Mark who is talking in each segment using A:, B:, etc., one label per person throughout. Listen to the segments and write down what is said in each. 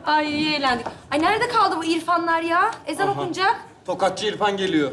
A: Ay iyi eğlendik. Ay nerede kaldı bu İrfanlar ya? Ezan okunacak.
B: Tokatçı İrfan geliyor.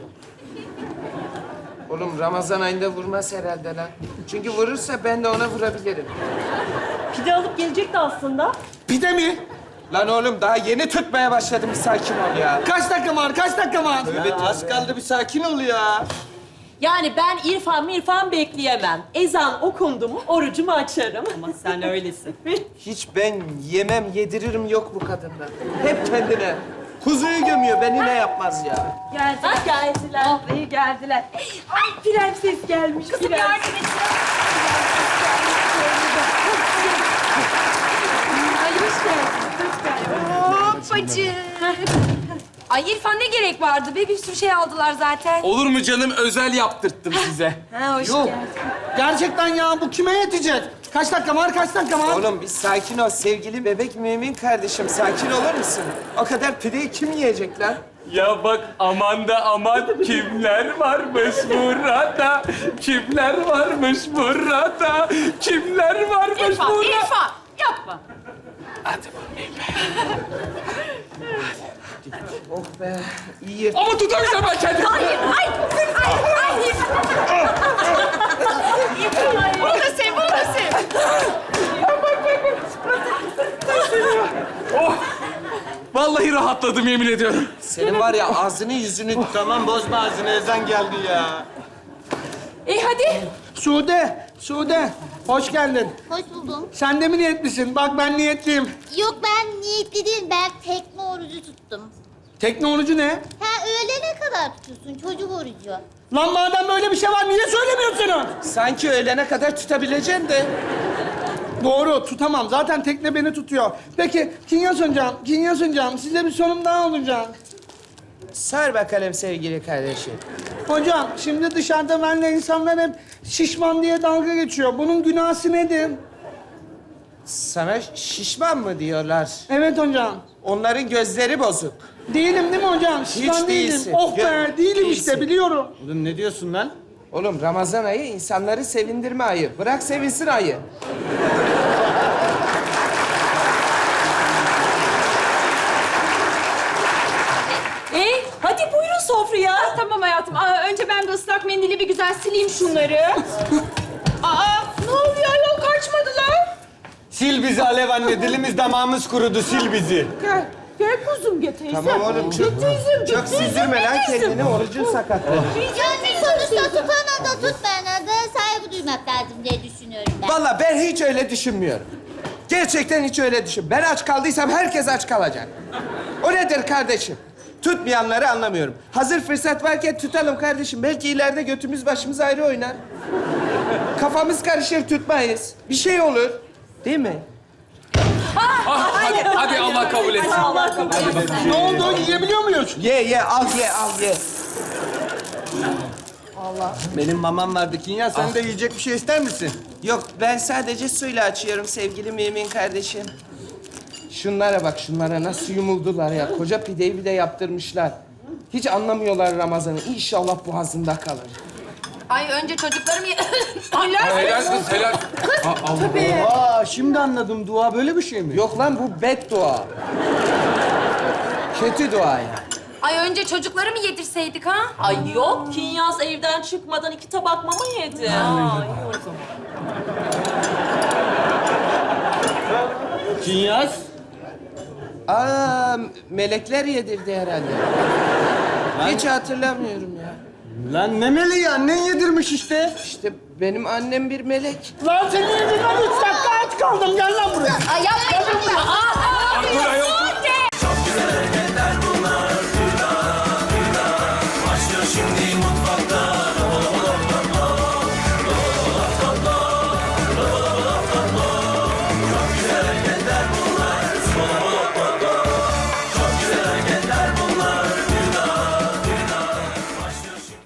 C: Oğlum Ramazan ayında vurmaz herhalde lan. Çünkü vurursa ben de ona vurabilirim.
D: Pide alıp gelecekti aslında.
B: Pide mi?
C: Lan oğlum daha yeni tutmaya başladım. Bir sakin ol ya.
B: Kaç dakika var? Kaç dakika var? Evet az kaldı bir sakin ol ya.
D: Yani ben İrfan bekleyemem. Ezan okundu mu orucumu açarım. Ama sen öylesin.
C: Hiç ben yemem, yediririm yok bu kadından. Hep kendine. Kuzuyu gömüyor, beni ne yapmaz ya.
D: Geldiler. Geldiler.
A: Oh iyi geldiler.
D: Ay prenses gelmiş.
A: Kızım
D: prens.
A: yardım et. Ay hoş geldin. Hoppacık. Ay İrfan ne gerek vardı be? Bir sürü şey aldılar zaten.
E: Olur mu canım? Özel yaptırttım size.
A: Ha hoş
B: Yok.
A: geldin.
B: Gerçekten ya bu kime yetecek? Kaç dakika var? Kaç dakika var?
C: Oğlum bir sakin ol sevgili bebek mümin kardeşim. Sakin olur musun? O kadar pideyi kim yiyecek lan?
E: Ya bak aman da aman kimler varmış burada? Kimler varmış burada? Kimler varmış burada?
A: İrfan yapma.
C: Oh be, iyi.
E: Ama tutamayacağım ben kendimi.
A: Ay. Bunu da sev, bunu da sev.
E: Oh! Vallahi rahatladım yemin ediyorum.
C: Senin var ya ağzını yüzünü...
B: Tamam bozma ağzını ezan geldi ya.
A: Hadi.
B: Sude, hoş geldin.
F: Hoş buldum.
B: Sen de mi niyetlisin? Bak ben niyetliyim.
F: Yok ben niyetli değilim. Ben tekne orucu tuttum.
B: Teknoloji ne?
F: Ha öğlene kadar tutuyorsun çocuk orucu.
B: Lan madem böyle bir şey var niye söylemiyorsun onu?
C: Sanki öğlene kadar tutabileceksin de.
B: Doğru, tutamam. Zaten tekne beni tutuyor. Peki, Kinyas hocam, size bir sorum daha olacak.
C: Sar bakalım sevgili kardeşim.
B: Hocam, şimdi dışarıda benimle insanlar hep şişman diye dalga geçiyor. Bunun günahı nedir?
C: Sana şişman mı diyorlar?
B: Evet hocam.
C: Onların gözleri bozuk.
B: Değilim değil mi hocam? Şişman
C: Hiç
B: değilim.
C: değilsin.
B: Oh be, değilim
C: Değilsin.
B: işte, biliyorum.
G: Oğlum ne diyorsun lan?
C: Oğlum Ramazan ayı insanları sevindirme ayı. Bırak sevinsin ayı.
D: Hadi buyurun sofraya.
A: Tamam hayatım. Önce ben de ıslak mendili bir güzel sileyim şunları. Ne oluyor ayol kaçmadılar?
G: Sil bizi Alev anne. Dilimiz damağımız kurudu. Sil bizi.
D: Gel kuzum gel teyzem.
C: Tamam oğlum çok süzülme lan kendini. Orucun sakatlı.
F: Yani sonuçta tutana da tutmayana da saygı duymak lazım diye düşünüyorum ben.
C: Vallahi ben hiç öyle düşünmüyorum. Gerçekten hiç öyle düşün. Ben aç kaldıysam herkes aç kalacak. O nedir kardeşim? Tutmayanları anlamıyorum. Hazır fırsat varken tutalım kardeşim. Belki ileride götümüz başımız ayrı oynar. Kafamız karışır tutmayız. Bir şey olur. Değil mi?
E: Hadi Allah kabul etsin.
D: Allah kabul etsin.
B: Ne oldu? Yiyebiliyor muyuz?
C: Ye al ye.
G: Benim mamam vardı Kinya. Sen de yiyecek bir şey ister misin?
C: Yok ben sadece suyla açıyorum sevgili mümin kardeşim. Şunlara bak şunlara nasıl yumuldular ya. Koca pideyi bir de yaptırmışlar. Hiç anlamıyorlar Ramazan'ı. İnşallah boğazında kalır.
A: Ay önce çocuklarım...
E: Helal kız helal.
G: Aa şimdi anladım. Dua böyle bir şey mi?
C: Yok lan bu beddua. Kötü dua yani.
A: Ay önce çocukları mı yedirseydik ha?
D: Ay yok Kinyas evden çıkmadan 2 tabak mama yedi. Ay, o zaman.
G: Kinyas.
C: Aa melekler yedirdi herhalde. Hiç hatırlamıyorum ya.
G: Lan ne meleği annen yedirmiş işte.
C: İşte benim annem bir melek.
B: Lan senin yüzünden 3 dakika aç kaldım. Gel lan buraya.
F: Ay yapmayın.
E: Dur ayol dur.